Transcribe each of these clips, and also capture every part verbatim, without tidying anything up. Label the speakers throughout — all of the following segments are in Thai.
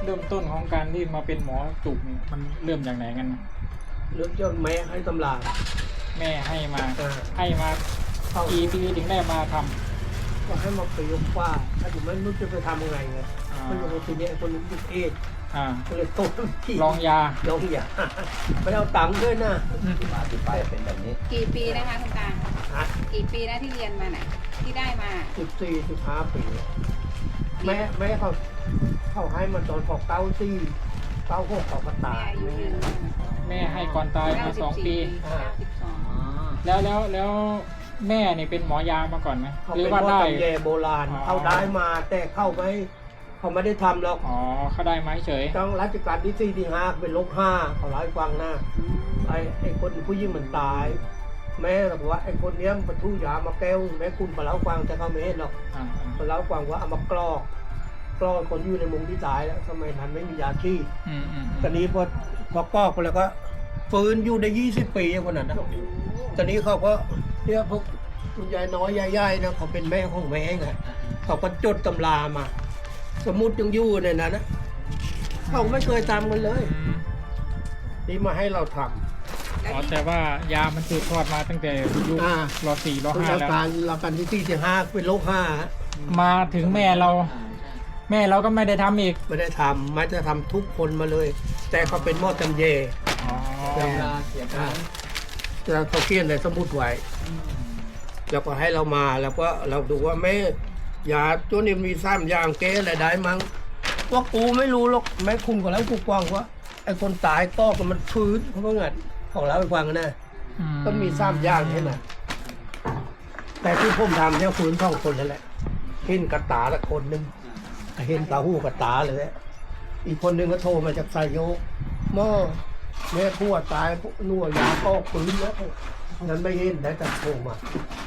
Speaker 1: ริ่มต้นของการที่มาเป็นหมอจุกเนี่ยมันเริ่มจากไหนกันนะ
Speaker 2: เริ่มจากแม่ให้ตำรา
Speaker 1: แม่ให้มา
Speaker 2: อ่า
Speaker 1: ให้มา
Speaker 2: เข้า
Speaker 1: กี่ปีถึงได้มาทำ
Speaker 2: ก็ให้มาไปยกฟ้าถ้าอยู่ไม่รู้จะไปทำยังไงไง
Speaker 1: อ่า
Speaker 2: ไม่รู้ทีนี้ไอ้คนนี้ติดเอดส์
Speaker 1: อ่า
Speaker 2: ก็เลยโตที่
Speaker 1: ลองยา
Speaker 2: ลองอย่าไม่เอาตังค์ด้วยนะ
Speaker 3: มาที่ไปเป็นแบบนี้
Speaker 4: กี่ปีนะคะคุณตา
Speaker 2: ฮะ
Speaker 4: กี่ปีนะที่เรียนมาน่ะที่ได้มา
Speaker 2: สิบสี่สิบห้าปีแม่แม่เขาเขาให้มาตอนพอเก้าสี่เก้าหกเขาก็
Speaker 4: แม่
Speaker 2: ตาย
Speaker 4: อายุยืน
Speaker 1: แม่ให้ก่อนตายมาสองปี
Speaker 4: เก้าสิบสอง
Speaker 1: แล้วแล้วแล้วแม่นี่เป็นหมอยามาก่อนไหม
Speaker 2: เขา
Speaker 1: หรือ
Speaker 2: เป็น
Speaker 1: ว่า
Speaker 2: หมอ
Speaker 1: ได้
Speaker 2: ตำแยโบราณ
Speaker 1: อ๋อ
Speaker 2: เขาได้มาแต่เข้าไม่เขาไม่ได้ทำหรอก
Speaker 1: อ๋อเขาได้มาเฉย
Speaker 2: ต้องรัชกาลที่สี่ที่ห้าเป็นลบห้าเขาเล่าให้ฟังนะไอ้ไอ้คนผู้หญิงมันตาย แม่บอกว่าไอ้คนเนี้ยมันทุยามาแก้วแม่คุณมาเล่าให้ฟังแต่เขาไม่เห็นหรอก
Speaker 1: อ่า
Speaker 2: มาเล่าให้ฟังว่าเอามากรอกกรอกคนอยู่ในมุมที่ตายแล้วสมัยนั้นไม่มียาชีพ
Speaker 1: อืมอืม
Speaker 2: ตอนนี้พอพอกรอกไปแล้วก็ฟื้นอยู่ได้ยี่สิบปีคนนั้นนะตอนนี้เขาก็เนี่ยพวกคุณยายน้อยยายใหญ่นะเขาเป็นแม่ของแม่ไงเขาก็จดตำรามา สมุดยังอยู่ในนั้นนะเขาไม่เคยทำกันเลย
Speaker 1: อืม
Speaker 2: นี่มาให้เราทำ
Speaker 1: อ๋อแต่ว่ายามันสืบทอดมาตั้งแต่ยุค
Speaker 2: อ่าร
Speaker 1: อสี่รอห้า
Speaker 2: เรา
Speaker 1: แล้ว
Speaker 2: การเราการที่สี่ที่ห้าเป็นโรคห้า
Speaker 1: มาถึงแม่เรา แม่เราก็ไม่ได้ทำอีก
Speaker 2: ไม่ได้ทำไม่จะทำทุกคนมาเลย แต่เขาเป็นหมอจำเย
Speaker 1: อ๋อ
Speaker 2: แต่อ่าแล้วเขาเขียนในสมุดไว้ แล้วก็ให้เรามาแล้วก็เราดูว่าแม่ยาตัวนี้มีซ้ำอย่างแก้อะไรได้มั้งว่ากูไม่รู้หรอกแม่คุณก็แล้วกูกว้างว่าไอ้คนตายต้อกมันฟื้นเขาก็เงินของเราไปฟังนะ
Speaker 1: อื
Speaker 2: ก็มีซ้ำอย่างใช่ไหมแต่ที่ผมทำเนี่ยฟื้นสองคนนั่นแหละเห็นกระตาละคนหนึ่งเห็นตาหูกระตาเลย อีกคนหนึ่งก็โทรมาจากไซโยกหม้อแม่พัวตายนัวยาก็ฟื้นแล้วนั้นไม่เห็นได้แต่โทรมา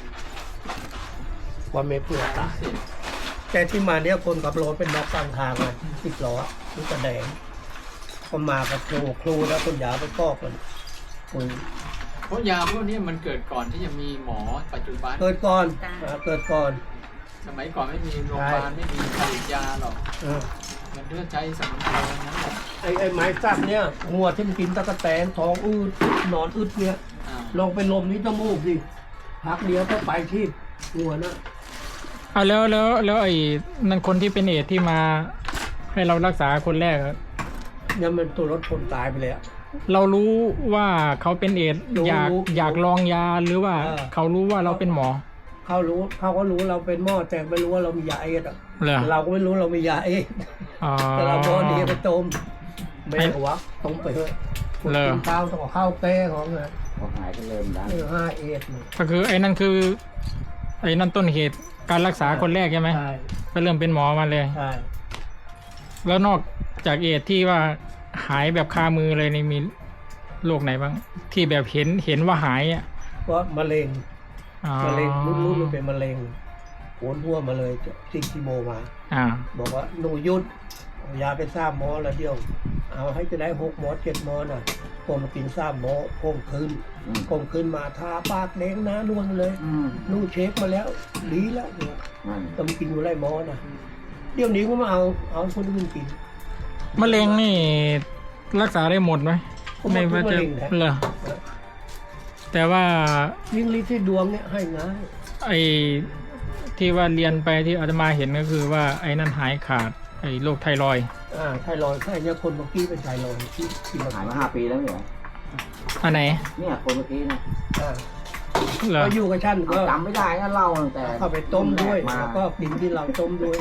Speaker 2: ว่าแม่พัวตายแต่ที่มาเนี่ยคนขับรถเป็นนักกลางทางเลยสิบล้อนี่กระแดงก็มากับครูครูแล้วคนยาไปกอกกันคุย
Speaker 3: เพราะยาพวกนี้มันเกิดก่อนที่จะมีหมอปัจจุบัน
Speaker 2: เกิดก่อนอ่าเกิดก่อน
Speaker 3: สมัยก่อนไม่มีโรงพยาบาลไม่มีผลิตยาหรอก
Speaker 2: เออ
Speaker 3: มันเพื่อใช้สมุนไพรทั้งนั้นแหละ
Speaker 2: ไอ้ไอ้ไม้สักเนี่ยงัวที่มันกินตะกะแตนท้องอืดนอนอึดเนี่ย
Speaker 3: อ่า
Speaker 2: ลองไปลมนี้จมูกดิพักเดียวก็ไปที่งัวนะ
Speaker 1: เอาแล้วแล้วแล้วไอ้นั่นคนที่เป็นเอดส์ที่มาให้เรารักษาคนแรกอะ
Speaker 2: เนี่ยมันตัวรถชนตายไปแล้ว
Speaker 1: เรารู้ว่าเขาเป็นเอดส์
Speaker 2: รู้
Speaker 1: อยาก
Speaker 2: รู้
Speaker 1: อยากลองยาหรือว่า
Speaker 2: เออ
Speaker 1: เขารู้ว่าเราเป็นหมอ
Speaker 2: เขารู้เขาก็รู้เราเป็นหม้อแต่ไม่รู้ว่าเรามียาเอดส์อะ
Speaker 1: เหรอ
Speaker 2: เราก็ไม่รู้เรามียาเอดส์
Speaker 1: อ๋อ
Speaker 2: แต่เราโดนดีไปต้มไม่เอาวะต้มไปเถอะ
Speaker 1: เหรอ
Speaker 2: กินข้าวต้องเอาข้าวแป้ของนะ
Speaker 3: พอหายก็เริ่มดัง
Speaker 2: เออห้าเอดส์
Speaker 1: ก็คือไอ้นั่นคือไอ้นั่นต้นเหตุการรักษาคนแรกใช่ไหม
Speaker 2: ใช่
Speaker 1: ก็เริ่มเป็นหมอมาเลย
Speaker 2: ใช่
Speaker 1: แล้วนอกจากเอดส์ที่ว่าหายแบบคามือเลยนี่มีโรคไหนบ้าง ที่แบบเห็นเห็นว่าหายอ่ะ
Speaker 2: เพราะมะเร็ง
Speaker 1: อ๋อ
Speaker 2: มะเร็งรุ่นๆมันเป็นมะเร็งโหนหัวมาเลยซิงคีโมมา
Speaker 1: อ่า
Speaker 2: บอกว่าหนูหยุดเอายาไปสามหมอแล้วเดียว เอาให้จะได้หกหมอเจ็ดหมอน่ะผมมากินสามหมอคงคืนคงคืนมาทาปากแดงหน้านวลเลย
Speaker 3: อืม
Speaker 2: นู่นเช็คมาแล้วดีแล้ว
Speaker 3: นั่น
Speaker 2: ต้องกินอยู่ไรหมอน่ะเดี๋ยวนี้ก็มาเอาเอาคนอื่นกิน
Speaker 1: มะเร็งนี่รักษาได้หมดไหม
Speaker 2: ผมว่าทุกมะเร็งนะ
Speaker 1: เหรอแต่ว่า
Speaker 2: ยิ่งลิที่ดวงเนี่ยให้ง่าย
Speaker 1: ไอ้ที่ว่าเรียนไปที่อาตมาเห็นก็คือว่าไอ้นั่นหายขาดไอ้โรคไทรอยด์
Speaker 2: อ่าไทรอยด์ไข้เนี่ยคนเมื่อกี้เป็นไทรอยด์ที่ที่มา
Speaker 3: หายมาห้าปีแล้วเหรอ
Speaker 1: อันไหน
Speaker 3: เนี่ยคนเมื่อกี้นะ
Speaker 2: อ่า
Speaker 1: เหรอ
Speaker 2: ก็อยู่กับฉันก็
Speaker 3: จำไม่ได้นะเล่าตั้งแต่
Speaker 2: เข้าไปต้มด้วย
Speaker 3: มา
Speaker 2: แล้วก็กินที่เราต้มด้วย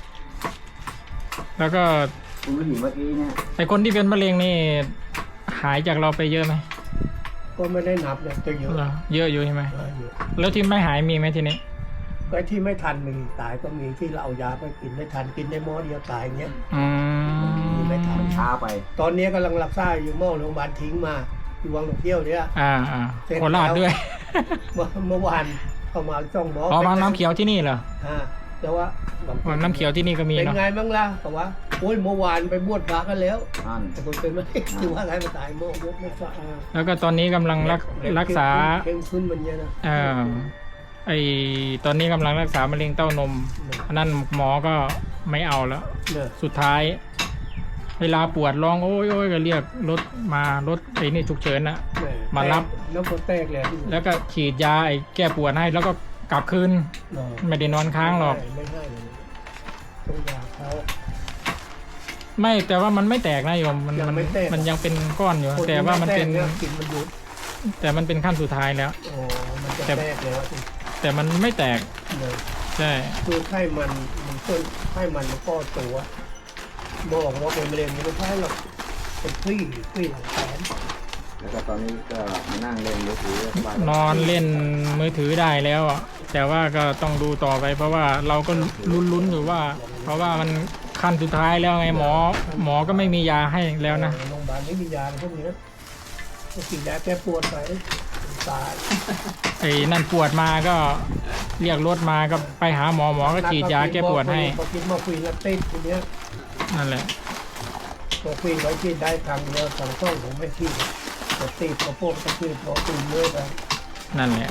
Speaker 1: แล้วก็
Speaker 3: คุณผู้หญิงเมื่อกี้เนี่ย
Speaker 1: ไอ้คนที่เป็นมะเร็งนี่หายจากเราไปเยอะไหม
Speaker 2: ก็ไม่ได้นับเนี่ยจะเยอะ
Speaker 1: เหรอเยอะอยู่ใช่ไหม
Speaker 2: เออเยอะ
Speaker 1: แล้วที่ไม่หายมีไหมทีนี้
Speaker 2: ก็ที่ไม่ทันมีตายก็มีที่เราเอายาไปกินไม่ทันกินได้หม้อเดียวตายเงี้ย
Speaker 1: อืม
Speaker 2: มีไม่ทัน
Speaker 3: ช้าไป
Speaker 2: ตอนนี้กำลังรักษาอยู่หม้อโรงพยาบาลทิ้งมาอยู่วังหลวงเที่ยวเนี่ย
Speaker 1: อ่าอ่า
Speaker 2: เสร็จ
Speaker 1: โคราช
Speaker 2: แล้ว
Speaker 1: ด้วย
Speaker 2: เมื่อเมื่อวานเข้ามาจ้องหมอ
Speaker 1: อ๋อบางน้ำเขียวที่นี่เหรอ
Speaker 2: อ่าแต่ว่าบาง
Speaker 1: อ๋อน้ำเขียวที่นี่ก็มี
Speaker 2: เป็น
Speaker 1: เนาะ
Speaker 2: ไงบ้างล่ะแต่ว่าโอ้ยเมื่อวานไปบวชพระกันแล้ว
Speaker 3: นั่น
Speaker 2: แต่คนเป็นไม่ถือว่าใครมาตายโมกไม่สะอาด
Speaker 1: แล้วก็ตอนนี้กำลังรักรักษา
Speaker 2: เข้มขึ้นมันเยอะนะ
Speaker 1: เอ่อไอตอนนี้กำลังรักษามะเร็งเต้านมอันนั้นหมอก็ไม่เอาแล้ว
Speaker 2: เนี่ย
Speaker 1: สุดท้าย พเวลาปวดร้องโอ้ยโอ้ยก็เรียกรถมารถไอ้นี่ฉุกเฉินนะ
Speaker 2: แ
Speaker 1: มารับ
Speaker 2: แล้วคนแตกเลย
Speaker 1: แล้วก็ฉีดยาไอ้แก้ปวดให้แล้วก็กลับคืน
Speaker 2: เออ
Speaker 1: ไม่ได้นอนค้างหรอก
Speaker 2: ไม่ให้เลยต้องยาเขา
Speaker 1: ไม่แต่ว่ามันไม่แตกนะโยมมัน
Speaker 2: ยัง
Speaker 1: มัน
Speaker 2: ไม่แตก
Speaker 1: มันยังเป็นก้อนอยู่
Speaker 2: คน
Speaker 1: แต่
Speaker 2: ที่
Speaker 1: ว่ามันเป็น
Speaker 2: ไแตกยกินมันหยุด
Speaker 1: แต่มันเป็นขั้นสุดท้ายแล้ว
Speaker 2: โอ้มันจะ
Speaker 1: แต่
Speaker 2: แตกแล้วสิ
Speaker 1: แต่มันไม่แตก
Speaker 2: เลย
Speaker 1: ใช่
Speaker 2: คือไข้มันมันเพิ่มไข้มันมันก็ตัวบอกว่าเป็นมะเร็งไม่ใช่หรอกเป็นคลี่คลี่หลังแขน
Speaker 5: แล้วก็ตอนนี้ก็มานั่งเล่นมือถือสบาย
Speaker 1: นอนเล่นมือถือได้แล้วอะแต่ว่าก็ต้องดูต่อไป เพราะว่าเราก็ลุ้นๆอยู่ว่า เพราะว่ามันขั้นสุดท้ายแล้วไงหมอ หมอก็ไม่มียาให้แล้วนะ
Speaker 2: โรงพยาบาลไม่มียาพวกนี้นะก็กินยาแก้ปวดไปตาย
Speaker 1: ไอ้นั่นปวดมาก็เรียกรถมาก็ไปหาหมอหมอก็ฉีดยาแก้ปวดให้
Speaker 2: พอกินมอร์ฟีนแล้วติดทีเนี้ย
Speaker 1: นั่นแหละ
Speaker 2: มอร์ฟีนไว้กินได้ครั้งเดียวสองช่องผมไม่กินแต่ติดกระโปงกระตือร้อตื่นเมื่อยไป
Speaker 1: นั่นแหละ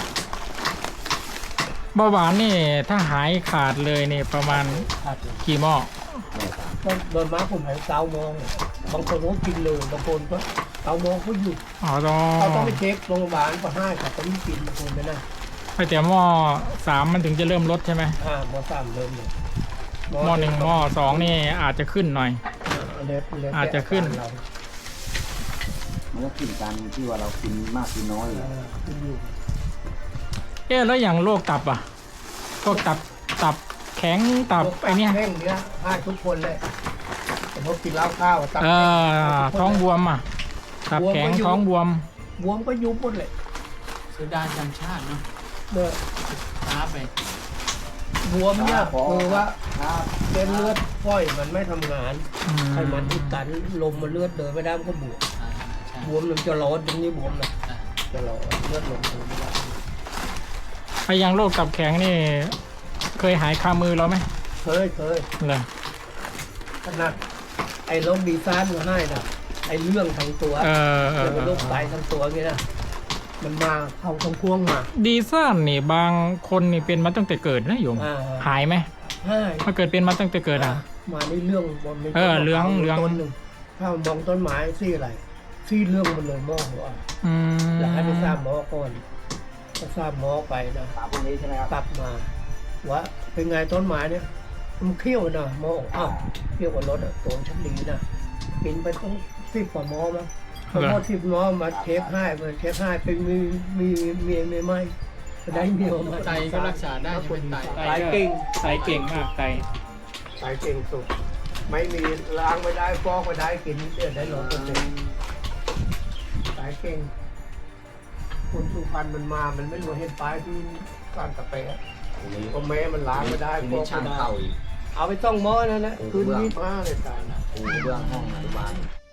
Speaker 1: เบาหวานนี่ถ้าหายขาดเลยนี่ประมาณ
Speaker 2: ขาด
Speaker 1: กี่หม้อ
Speaker 2: ก็โดนม้าผมหายเกาโมงบางคนก็กินเลยบางคนก็เกาโมงก็หยุด
Speaker 1: อ๋อต้อง
Speaker 2: เขาต้องไปเช็คโรงพยาบาลก็ให้เขาต้องกินบางคนไม่น่า
Speaker 1: ไปแต่หม้อสามมันถึงจะเริ่มลดใช่ไหม
Speaker 2: อ่าหมอสามเริ่มเลย
Speaker 1: หม้อหนึ่งหม้อสองนี่อาจจะขึ้นหน่อย
Speaker 2: เล็บเล็บ
Speaker 1: อาจจะขึ้น
Speaker 2: เรา
Speaker 5: มันก็ขึ้นกันที่ว่าเรากินมากกินน้อย
Speaker 2: เออขึ้นอยู่
Speaker 1: เอ๊ะแล้วอย่างโรคตับอ่ะพวกตับตับแข็งตับไอเนี้ย
Speaker 2: แห้งเนี้ยให้ทุกคนเลยแต่พอกินเหล้าข้าวตับ
Speaker 1: เออท้องบวมอ่ะตับแข็งท้องบวม
Speaker 2: บวมก็ยุบหมดเลย
Speaker 3: เสียดายจังชาติเนาะ
Speaker 2: เมื่อ
Speaker 3: ช้าไป
Speaker 2: บวมเนี่ยคือว่า
Speaker 5: ครับ
Speaker 2: เส้นเลือดฝอยมันไม่ทำงาน
Speaker 1: อืม
Speaker 2: ไขมันอุดตันลมมันเลือดเดินไม่ได้มันก็บวม
Speaker 3: อ่าใช่
Speaker 2: บวมมันจะร้อนตรงนี้บวมนะ
Speaker 3: อ่า
Speaker 2: จะร้อนเลือดลงไม่ได้
Speaker 1: ไออย่างโรคตับแข็งนี่ เคยหายคามือเราไหม
Speaker 2: เคยเคย
Speaker 1: เหรอ
Speaker 2: ขนาดไอ้โรคดีซ่านก็ให้นะไอ้เรื่องทั้งตัว
Speaker 1: เออเออ
Speaker 2: เกี่ยว
Speaker 1: เอ
Speaker 2: กับโร
Speaker 1: อ
Speaker 2: คไตทั้งตัวเงี้ยนะมันมาเข้าทั้งพ่วงมา
Speaker 1: ดีซ่านนี่บางคนนี่เป็นมาตั้งแต่เกิดนะโยม
Speaker 2: อ่า
Speaker 1: หายไหม
Speaker 2: ให้
Speaker 1: ถ้าเกิดเป็นมาตั้งแต่เกิดอ่ะ
Speaker 2: มาในเรื่องบนใน
Speaker 1: เออเรื่องเรื่อง
Speaker 2: ต้นหนึ่งถ้ามองต้นไม้ซี่อะไรซี่เรื่องมันเลยมองว่า
Speaker 1: อืม
Speaker 2: แล้วให้ไปทราบหมอก่อนก็ทราบหมอไปนะ
Speaker 5: สามพวกนี้ใช่ไหมครับ
Speaker 2: กลับมาว่าเป็นไงต้นไม้เนี่ยมันเขี้ยวนะหมอบอกอ้าวเขี้ยวกว่ารถอะตัวชั้นดีนะกินไปต้องสิบกว่าหมอมั้งพอหมอสิบหมอมาเช็คให้มาเช็คให้เป็นมีมีมีมีไหมได้เมียวมา
Speaker 3: ไตก็รักษาได้ใช่ไหมไต
Speaker 2: สายเก่ง
Speaker 1: ไตเก่งมากไต
Speaker 2: สายเก่งสุด ไม่มีล้างไม่ได้ฟอกไม่ได้กินเดี๋ยวได้ร้อยเปอร์เซ็นต์สายเก่งคนสุพรรณมันมามันไม่รู้เห็นป้ายที่การตะเปะ
Speaker 5: ทีนี้
Speaker 2: ก็แม้มันล้างไม่ได้
Speaker 5: ที
Speaker 2: ฟ
Speaker 5: นี้
Speaker 2: อก
Speaker 5: ช่าง
Speaker 2: ไม่ได้
Speaker 5: เข้าอีก
Speaker 2: เอาไปต้องหม้อนั่นแหละคืนนี้มาเลยตายนะ
Speaker 5: ปูเบื้องห้องอนุบาล